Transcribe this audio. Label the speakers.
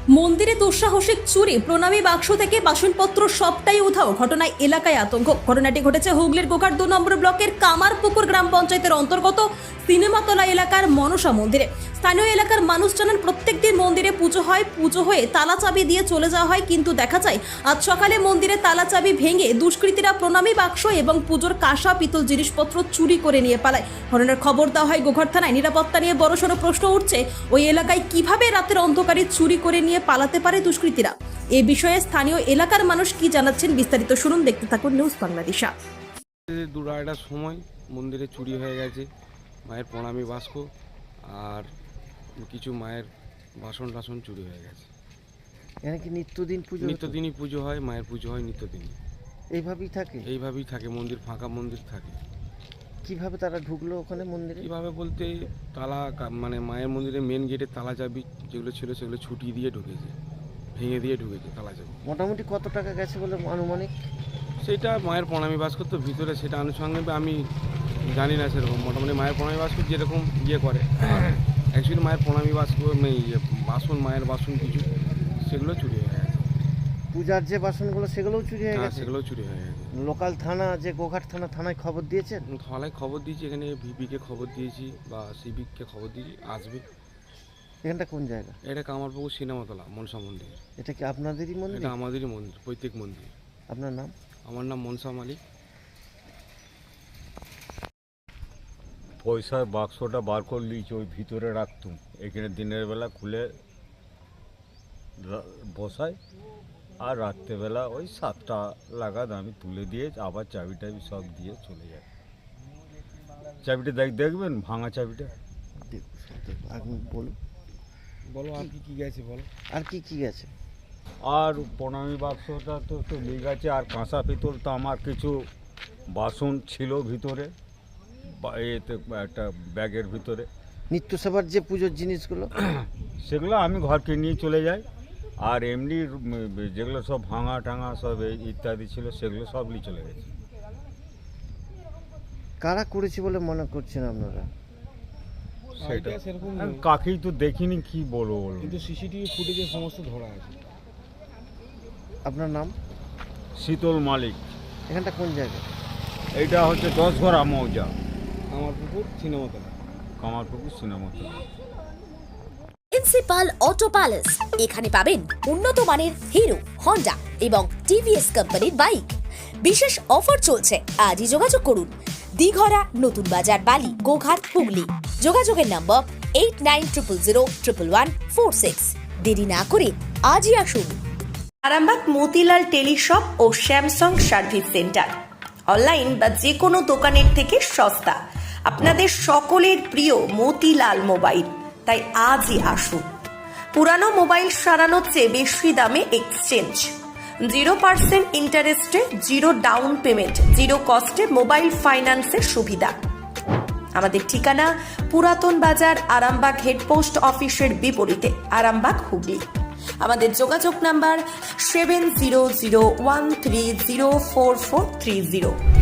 Speaker 1: মন্দিরে দুঃসাহসিক চুরি, প্রণামী বাক্স থেকে বাসনপত্র সবটাই উধাও। ঘটনায় এলাকায় আতঙ্ক। ঘটনাটি ঘটেছে হুগলির গোঘাট 2 নম্বর ব্লকের কামারপুকুর গ্রাম পঞ্চায়েতের অন্তর্গত সিনেমাতলা এলাকার মনসা মন্দিরে। স্থানীয় এলাকার মানুষ জানান, প্রত্যেকদিন মন্দিরে পুজো হয়, পুজো হয়ে তালা চাবি দিয়ে চলে যাওয়া হয়, কিন্তু দেখা যায় আজ সকালে মন্দিরে তালা চাবি ভেঙে দুষ্কৃতীরা প্রণামী বাক্স এবং পুজোর কাঁসা পিতল জিনিসপত্র চুরি করে নিয়ে পালায়। ঘটনার খবর দেওয়া হয় গোঘাট থানায়। নিরাপত্তা নিয়ে বড়সড় প্রশ্ন উঠছে, ওই এলাকায় কিভাবে রাতের অন্ধকারে চুরি করে নিয়ে পালাতে পারে দুষ্কৃতীরা। এ বিষয়ে স্থানীয় এলাকার মানুষ কি জানাচ্ছেন, বিস্তারিত শুনুন, দেখতে থাকুন নিউজ বাংলাদেশা।
Speaker 2: 2-2:30টার সময় মন্দিরে চুরি হয়ে গেছে মায়ের প্রণামী বাস্ক আর কিছু মায়ের বাসন টাসন চুরি হয়ে গেছে।
Speaker 3: এখানে কি নিত্যদিন পুজো?
Speaker 2: নিত্যদিনই পুজো হয়, মায়ের পুজো হয় নিত্যদিনই।
Speaker 3: এইভাবেই থাকে
Speaker 2: মন্দির ফাঁকা মন্দির থাকে।
Speaker 3: কিভাবে তারা ঢুকলো ওখানে মন্দিরে?
Speaker 2: কীভাবে বলতে তালা মানে মায়ের মন্দিরে মেন গেটে তালা চাবি যেগুলো ছিল সেগুলো ছুটি দিয়ে ঢুকেছে, ভেঙে দিয়ে ঢুকেছে তালা চাবি।
Speaker 3: মোটামুটি কত টাকা গেছে বলে আনুমানিক?
Speaker 2: সেটা মায়ের প্রণামী বাস্ক তো ভিতরে, সেটা আনুষঙ্গিক আমি জানি না সেরকম। মোটামুটি মায়ের প্রণামী বাস্ক যেরকম করে অ্যাকচুয়ালি মায়ের প্রণামী বাস্ক বাসন, মায়ের বাসন কিছু সেগুলো চুরি হয়ে গেছে।
Speaker 3: পূজার যে বাসনগুলো সেগুলোও চুরি হয়ে গেছে?
Speaker 2: সেগুলোও চুরি হয়ে গেছে।
Speaker 3: লোকাল থানা যে গোঘাট থানায় খবর দিয়েছেন?
Speaker 2: থানায় খবর দিয়েছি, এখানে ভিপিকে খবর দিয়েছি বা সিভিককে খবর দিয়েছি, আসবে।
Speaker 3: এখানটা কোন জায়গা?
Speaker 2: এটা কামারপুকুর সিনেমাতলা মনসা মন্দির।
Speaker 3: এটা কি আপনাদেরই মন্দির?
Speaker 2: এটা আমাদেরই মন্দির, প্রত্যেক মন্দির।
Speaker 3: আপনার নাম?
Speaker 2: আমার নাম মনসা মালিক।
Speaker 4: পয়সার বাক্সটা বার করে নিয়েছি, ওই ভিতরে রাখতুম। এখানে দিনের বেলা খুলে বসাই আর রাত্রেবেলা ওই 7টা লাগাদ আমি তুলে দিয়ে আবার চাবি টাবি সব দিয়ে চলে যাই। চাবিটা দেখবেন, ভাঙা চাবিটা।
Speaker 3: আপনি বলুন।
Speaker 2: বলো আর কি গেছে বলো।
Speaker 3: আর কি গেছে?
Speaker 4: আর প্রণামী বাক্সটা তো নিয়ে গেছে, আর কাঁসা পিতল তো আমার কিছু বাসন ছিল ভিতরে, এতে একটা ব্যাগের ভিতরে।
Speaker 3: নিত্য সেবার যে পুজোর জিনিসগুলো
Speaker 4: সেগুলো আমি ঘরকে নিয়ে চলে যাই। আর এমনি যেগুলো সব ভাঙা টাঙা সব ইত্যাদি ছিল সেগুলো সব নিয়ে চলে গেছে।
Speaker 3: কারা করেছে বলে মনে করছেন আপনারা?
Speaker 4: সেটা
Speaker 2: সেরকম
Speaker 4: আমি কাকেই তো দেখিনি, কি বলবো
Speaker 2: কিন্তু সিসিটিভি ফুটেজে সমস্ত ধরা আছে।
Speaker 3: আপনার নাম?
Speaker 4: শীতল মালিক।
Speaker 3: এখানটা কোন জায়গা?
Speaker 4: এইটা হচ্ছে 10 ঘর মৌজা,
Speaker 2: Kamarpukur Cinematala.
Speaker 4: Kamarpukur Cinematala.
Speaker 5: Principal Auto Palace, এখানে পাবেন উন্নত মানের হিরো, হন্ডা এবং টিভিএস কোম্পানির বাইক। বিশেষ অফার চলছে, আজই যোগাযোগ করুন। দিঘরা, নতুন বাজার, বালি, গোঘাট, হুগলি। যোগাযোগের নম্বর 8900011146। দেরি না করে আজই আসুন।
Speaker 6: আরামবাগ মতিলাল টেলিশপ ও স্যামসাং সার্ভিস সেন্টার, অনলাইন বা যে কোনো দোকানের থেকে সস্তা। আপনাদের সকলের প্রিয় মতিলাল মোবাইল, তাই আজই আসুন। পুরানো মোবাইল সারানোর চেয়ে বেশি দামে এক্সচেঞ্জ, 0% ইন্টারেস্টে, 0 ডাউন পেমেন্ট, 0 কস্টে মোবাইল ফাইন্যান্সের সুবিধা। আমাদের ঠিকানা পুরাতন বাজার, আরামবাগ হেডপোস্ট অফিসের বিপরীতে, আরামবাগ, হুগলি। আমাদের যোগাযোগ নাম্বার 7001304430।